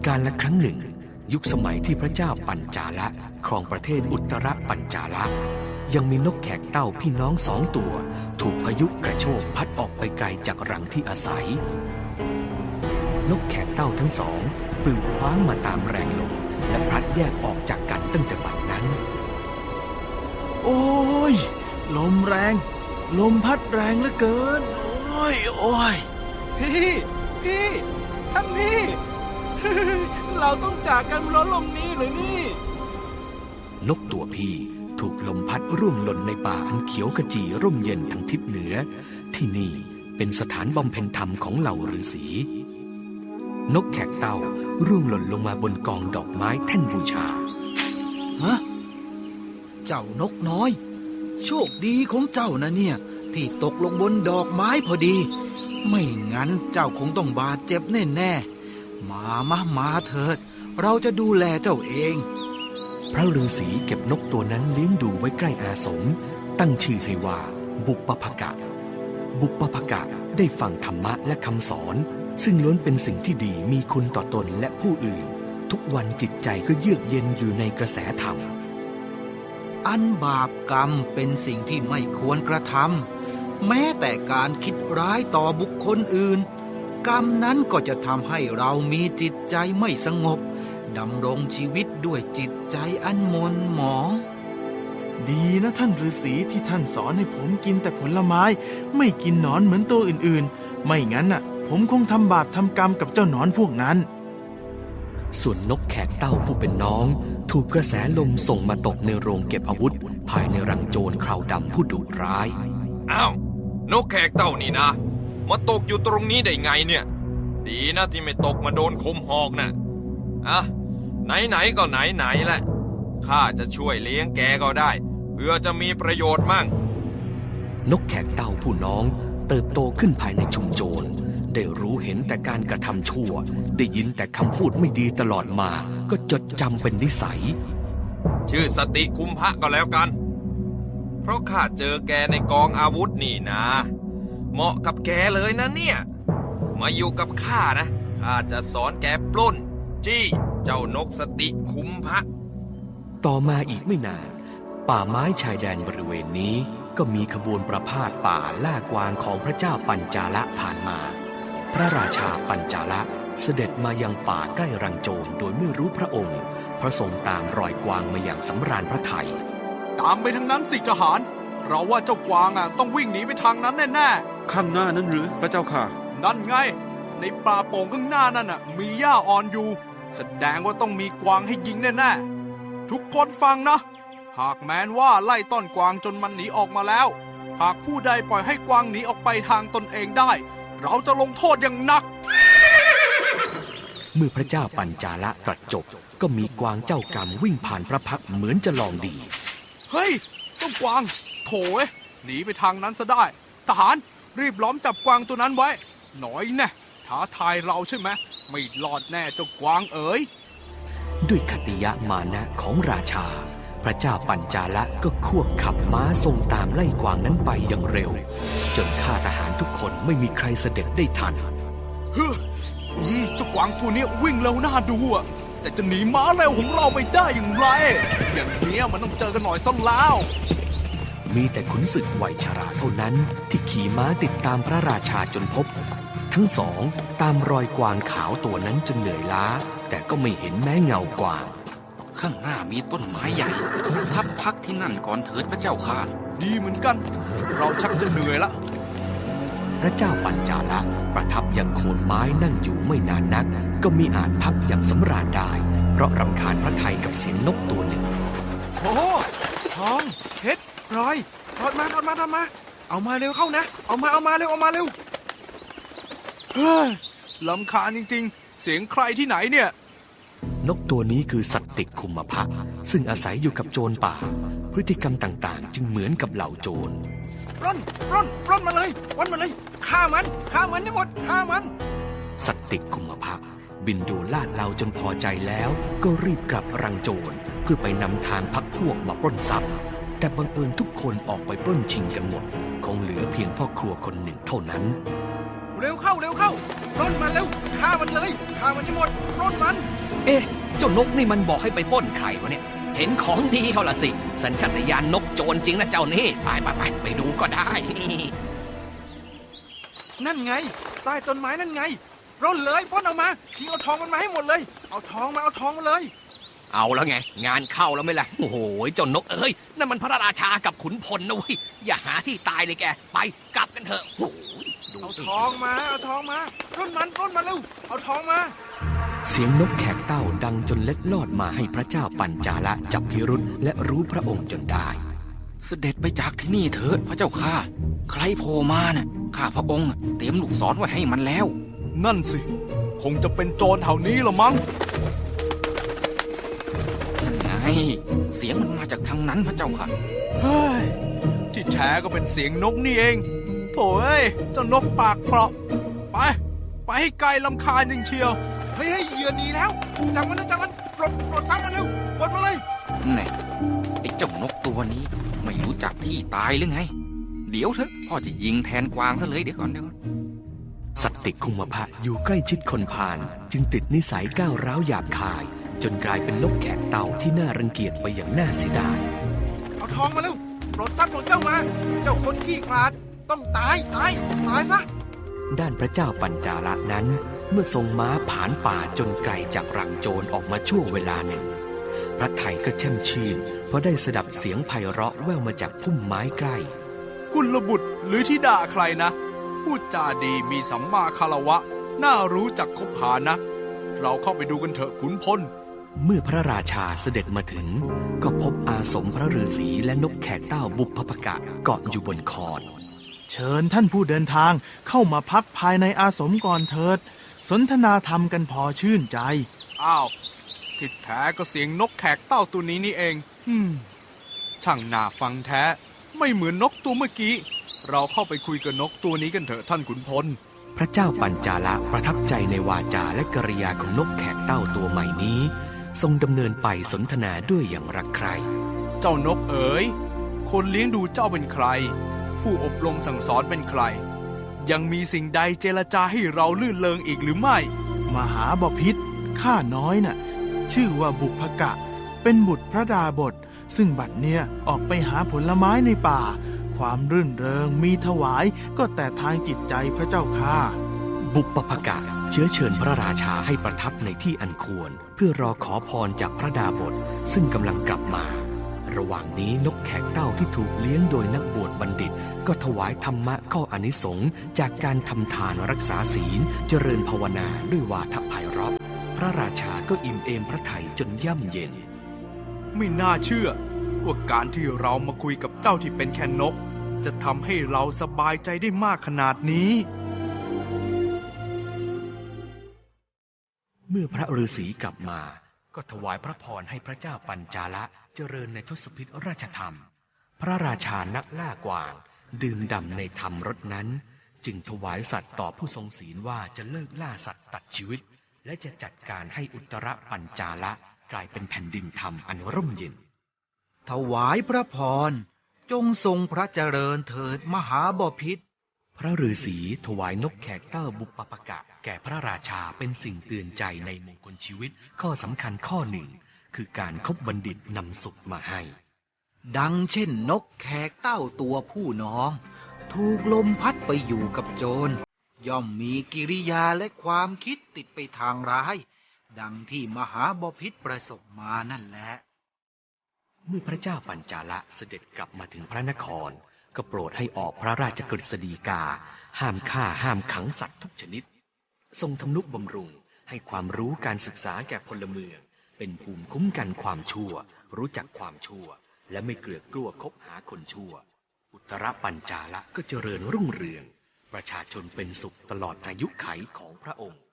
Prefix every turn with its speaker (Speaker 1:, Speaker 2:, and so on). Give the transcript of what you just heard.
Speaker 1: กาลครั้งหนึ่งยุคสมัยที่พระเจ้าปัญจาละครองประเทศอุตรปัญจาละยังมีนกแขกเต้าพี่น้อง2 ตัวถูกพายุกระโชกพัดออกไปไกลจากรังที่อาศัยนกแขกเต้าทั้งสองปลิวคว้างมาตามแรงลมและพลัดแยกออกจากกันตั้งแต่บัดนั้น
Speaker 2: โอ้ยลมแรงลมพัดแรงเหลือเกินโอ้ย
Speaker 3: พี่ท่านพี่ เราต้องจากกันเพราะลมนี้หรือนี่
Speaker 1: นกตัวพี่ถูกลมพัดร่วงหล่นในป่าอันเขียวขจีร่มเย็นทางทิศเหนือที่นี่เป็นสถานบำเพ็ญธรรมของเหล่าฤาษีนกแขกเต่าร่วงหล่นลงมาบนกองดอกไม้แท่นบูชา
Speaker 4: ฮะเจ้านกน้อยโชคดีของเจ้านะเนี่ยที่ตกลงบนดอกไม้พอดีไม่งั้นเจ้าคงต้องบาดเจ็บแน่ๆมาเถิดเราจะดูแลเจ้าเอง
Speaker 1: พระฤาษีเก็บนกตัวนั้นเลี้ยงดูไว้ใกล้อาสมตั้งชื่อให้ว่าบุปภกะบุปภกะได้ฟังธรรมะและคำสอนซึ่งล้วนเป็นสิ่งที่ดีมีคุณต่อตนและผู้อื่นทุกวันจิตใจก็เยือกเย็นอยู่ในกระแสธรรม
Speaker 4: อันบาปกรรมเป็นสิ่งที่ไม่ควรกระทำแม้แต่การคิดร้ายต่อบุคคลอื่นกรรมนั้นก็จะทำให้เรามีจิตใจไม่สงบดำรงชีวิตด้วยจิตใจอันหม่นหมอง
Speaker 2: ดีนะท่านฤาษีที่ท่านสอนให้ผมกินแต่ผลไม้ไม่กินหนอนเหมือนตัวอื่นๆไม่งั้นน่ะผมคงทำบาปทำกรรมกับเจ้าหนอนพวกนั้น
Speaker 1: ส่วนนกแขกเต้าผู้เป็นน้องถูกกระแสลมส่งมาตกในโรงเก็บอาวุธภายในรังโจรคราวดำผู้ดุร้าย
Speaker 5: อ้าวนกแขกเต้านี่นะมาตกอยู่ตรงนี้ได้ไงเนี่ยดีนะที่ไม่ตกมาโดนคมหอกนะอ่ะไหนก็ไหนแหละข้าจะช่วยเลี้ยงแกก็ได้เพื่อจะมีประโยชน์มั่ง
Speaker 1: นกแขกเต้าผู้น้องเติบโตขึ้นภายในชุมโจรได้รู้เห็นแต่การกระทำชั่วได้ยินแต่คำพูดไม่ดีตลอดมาก็จดจำเป็นนิสัย
Speaker 5: ชื่อสติคุมพะก็แล้วกันเพราะข้าเจอแกในกองอาวุธนี่นะเหมาะกับแกเลยนะเนี่ยมาอยู่กับข้านะข้าจะสอนแกปล้นจี้เจ้านกสติคุมพะ
Speaker 1: ต่อมาอีกไม่นานป่าไม้ชายแดนบริเวณนี้ก็มีขบวนประพาสป่าล่ากวางของพระเจ้าปัญจาละผ่านมาพระราชาปัญจาละเสด็จมายังป่าใกล้รังโจรโดยไม่รู้พระองค์พระทรงตามรอยกวางมาอย่างสำราญพระทัย
Speaker 6: ตามไปทางนั้นสิทหารเราว่าเจ้ากวางต้องวิ่งหนีไปทางนั้นแน่
Speaker 7: ๆข้างหน้านั้นหรือพระเจ้าค่ะ
Speaker 6: นั่นไงในป่าโป่งข้างหน้านั่นมีหญ้าอ่อนอยู่แสดงว่าต้องมีกวางให้ยิงแน่ๆทุกคนฟังนะหากแม้นว่าไล่ต้อนกวางจนมันหนีออกมาแล้วหากผู้ใดปล่อยให้กวางหนีออกไปทางตนเองได้เราจะลงโทษอย่างหนัก
Speaker 1: เมื่อพระเจ้าปัญจาละตรัสจบก็มีกวางเจ้ากรรมวิ่งผ่านพระพักตร์เหมือนจะลองดี
Speaker 6: เฮ้ยเจ้ากวางโถ่หนีไปทางนั้นซะได้ทหารรีบล้อมจับกวางตัวนั้นไว้หน่อยแน่ท้าทายเราใช่ไหมไม่รอดแน่เจ้ากวางเอ๋ย
Speaker 1: ด้วยคติยะมานะของราชาพระเจ้าปัญจาละก็ควบขับม้าทรงตามไล่กวางนั้นไปอย่างเร็วจนข้าทหารทุกคนไม่มีใครเสด็จได้ทัน
Speaker 6: เจ้ากวางตัวนี้วิ่งเร็วน่าดูแต่จะหนีม้าเร็วของเราไปได้อย่างไรอย่างนี้มันต้องเจอกันหน่อยซะแล้ว
Speaker 1: มีแต่ขุนศึกวัยชราเท่านั้นที่ขี่ม้าติดตามพระราชาจนพบทั้งสองตามรอยกวางขาวตัวนั้นจนเหนื่อยล้าแต่ก็ไม่เห็นแม้เงากวาง
Speaker 7: ข้างหน้ามีต้นไม้ใหญ่ทับพักที่นั่นก่อนเถิดพระเจ้าค่ะ
Speaker 6: ดีเหมือนกันเราชักจะเหนื่อยละ
Speaker 1: พระเจ้าปัญจาละประทับยังโคนไม้นั่งอยู่ไม่นานนักก็มีอาจพักอย่างสำราญได้เพราะรำคาญพระทัยกับเสียงนกตัวหนึ่ง
Speaker 3: โอ้ทองเพชรพลอยถอดมาเอามาเร็วเข้านะเอามาเร็ว
Speaker 6: เฮ้ยรำคาญจริงๆเสียงใครที่ไหนเนี่ย
Speaker 1: นกตัวนี้คือสัตติคุมพะซึ่งอาศัยอยู่กับโจรป่าพฤติกรรมต่างๆจึงเหมือนกับเหล่าโจร
Speaker 3: ปล้นมาเลยฆ่ามันให้หมดฆ่ามัน
Speaker 1: สัตติคุมพะบินดูลาดเราจนพอใจแล้วก็รีบกลับรังโจรเพื่อไปนำทางพรรคพวกมาปล้นทรัพย์แต่บังเอิญทุกคนออกไปปล้นชิงกันหมดคงเหลือเพียงพ่อครัวคนหนึ่งเท่านั้น
Speaker 3: เร็วเข้าปล้นมันเร็วฆ่ามันเลยฆ่ามันให้หมดปล้นมัน
Speaker 1: เอ๊ะ เจ้านกนี่มันบอกให้ไปปล้นใครวะเนี่ย เห็นของดีเขาละสิ สัญชาตญาณนกโจรจริงนะเจ้านี่ ไปดูก็ได้
Speaker 3: นั่นไงใต้ต้นไม้นั่นไงปล้นเลยปล้นเอามาชิงเอาทองมันมาให้หมดเลยเอาทองมาเลย
Speaker 1: เอาแล้วไง งานเข้าแล้วไหมล่ะ โอ้โห เจ้านกเอ้ย นั่นมันพระราชากับขุนพลนะเว้ย อย่าหาที่ตายเลยแก ไปกลับกันเถอะโอ้โหดู
Speaker 3: เอา
Speaker 1: ดิ
Speaker 3: ทองมาปล้นมันเร็วเอาทองมา
Speaker 1: เสียงนกแขกเต้าดังจนเล็ดลอดมาให้พระเจ้าปัญจาละจับพิรุธและรู้พระองค์จนได้
Speaker 7: เสด็จไปจากที่นี่เถิดพระเจ้าข้าใครโผล่มาน่ะข้าพระองค์เตรียมลูกศรไว้ให้มันแล้ว
Speaker 6: นั่นสิ คงจะเป็นโจรแถวนี้ละมั้ง
Speaker 7: นั่นไงเสียงมันมาจากทางนั้นพระเจ้าค่ะ
Speaker 6: เฮ้ย ที่แท้ก็เป็นเสียงนกนี่เองโถ่เอ้ยเจ้านกปากเปราะไปให้ไกลลำคาญจริงเชียว
Speaker 3: เฮ้ยเหยื่อหนีแล้วจับมันปลดซ้ำมันเร็วปลดมาเลย
Speaker 7: แน่ไอ้เจ้านกตัวนี้ไม่รู้จักที่ตายหรือไง เดี๋ยวเถอะพ่อจะยิงแทนกวางซะเลยเดี๋ยวก่อน
Speaker 1: สัตติคุมพะอยู่ใกล้ชิดคนพาลจึงติดนิสัยก้าวร้าวหยาบคาย จนกลายเป็นนกแขกเต่าที่น่ารังเกียจไปอย่างน่าเสียดาย
Speaker 3: เอาทองมาเร็วปลดทรัพย์ของเจ้ามา เจ้าคนขี้ขลาดต้องตายซะ
Speaker 1: ด้านพระเจ้าปัญจาละนั้น เมื่อทรงม้าผานป่าจนไกลจากรังโจรออกมาช่วงเวลาหนึ่ง พระไทยก็แช่มชื่นเพราะได้สดับเสียงไพเราะแว่วมาจากพุ่มไม้ใกล้
Speaker 6: กุลบุตรหรือธิดาใครนะพูดจาดีมีสัมมาคารวะน่ารู้จักคบหานะเราเข้าไปดูกันเถอะขุนพล
Speaker 1: เมื่อพระราชาเสด็จมาถึงก็พบอาสมพระฤาษีและนกแขกเต้าบุพภกะเกาะอยู่บนคอน
Speaker 2: เชิญท่านผู้เดินทางเข้ามาพักภายในอาสมก่อนเถิด สนทนาธรรมกันพอชื่นใจ
Speaker 6: อ้าวที่แท้ก็เสียงนกแขกเต้าตัวนี้นี่เองช่างน่าฟังแท้ไม่เหมือนนกตัวเมื่อกี้เราเข้าไปคุยกับนกตัวนี้กันเถอะท่านขุนพล
Speaker 1: พระเจ้าปัญจาละประทับใจในวาจาและกริยาของนกแขกเต้าตัวใหม่นี้ ทรงดำเนินไปสนทนาด้วยอย่างรักใคร่
Speaker 6: เจ้านกเอ๋ยคนเลี้ยงดูเจ้าเป็นใคร ผู้อบรมสั่งสอนเป็นใคร ยังมีสิ่งใดเจรจาให้เราลื่นเลงอีกหรือไม่
Speaker 2: มหาบพิตรข้าน้อยน่ะ ชื่อว่าบุพกะ เป็นบุตรพระดาบท ซึ่งบัดเนี่ยออกไปหาผลไม้ในป่า ความรื่นเริงมีถวายก็แต่ทางจิตใจพระเจ้าค่ะ
Speaker 1: บุปภกะเชื้อเชิญพระราชาให้ประทับในที่อันควร เพื่อรอขอพรจากพระดาบทซึ่งกำลังกลับมา ระหว่างนี้นกแขกเต้าที่ถูกเลี้ยงโดยนักบวชบัณฑิต ก็ถวายธรรมะข้ออานิสงส์จากการทำทานรักษาศีลเจริญภาวนาด้วยวาทไพเราะพระราชาก็อิ่มเอมพระทัยจนย่ำเย็น
Speaker 6: ไม่น่าเชื่อว่าการที่เรามาคุยกับเจ้าที่เป็นแค่นก จะทำให้เราสบายใจได้มากขนาดนี้
Speaker 1: เมื่อพระฤาษีกลับมาก็ถวายพระพรให้พระเจ้าปัญจาละเจริญในทศพิธราชธรรม พระราชานักล่ากวางดื่มด่ำในธรรมรสนั้นจึงถวายสัตว์ต่อผู้ทรงศีลว่าจะเลิกล่าสัตว์ตัดชีวิตและจะจัดการให้อุตรปัญจาละกลายเป็นแผ่นดินธรรมอันร่มเย็น
Speaker 4: ถวายพระพรจงทรงพระเจริญเถิดมหาบพิตร
Speaker 1: พระฤาษีถวายนกแขกเต้าบุปภกะแก่พระราชาเป็นสิ่งเตือนใจในมงคลชีวิตข้อสำคัญข้อหนึ่งคือการคบบัณฑิตนำสุขมาให้
Speaker 4: ดังเช่นนกแขกเต้าตัวผู้น้อง ถูกลมพัดไปอยู่กับโจรย่อมมีกิริยาและความคิดติดไปทางร้าย ดังที่มหาบพิตรประสบมานั่นแหละ
Speaker 1: เมื่อพระเจ้าปัญจาละเสด็จกลับมาถึงพระนครก็โปรดให้ออกพระราชกฤษฎีกาห้ามฆ่าห้ามขังสัตว์ทุกชนิดทรงทำนุบำรุงให้ความรู้การศึกษาแก่พลเมืองเป็นภูมิคุ้มกันความชั่วรู้จักความชั่วและไม่เกลือกลัวคบหาคนชั่วอุตรปัญจาละก็เจริญรุ่งเรืองประชาชนเป็นสุขตลอดอายุไขของพระองค์